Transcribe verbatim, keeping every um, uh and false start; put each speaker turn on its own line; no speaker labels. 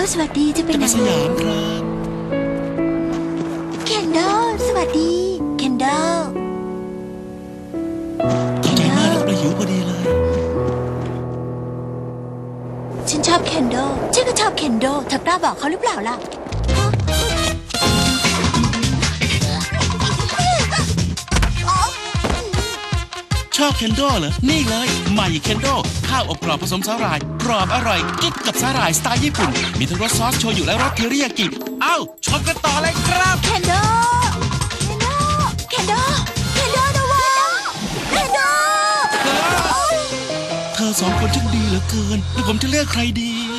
สวัสดีจะไปไหน
จะไปสยามครับ
เคนโดสวัสดีเคนโด
ขอบใจมากแล้วเราหิวพอดีเลย
ฉันชอบเคนโดฉันก็ชอบเคนโดเธอกล้าบอกเขาหรือเปล่าล่ะ
ชอบเคนโดเหรอนี่เลยใหม่เคนโดข้าวอบกรอบผสมสาหร่ายกรอบอร่อยกิ๊กกับสาหร่ายสไตล์ญี่ปุ่นมีทั้งรสซอสโชยุและรสเทอริยากิเอ้าชมกันต่อเลยครับ
เคนโดเคนโดเคนโดเคนโดนะวะเคนโด
เธอสองคนช่างดีเหลือเกินแล้วผมจะเลือกใครดี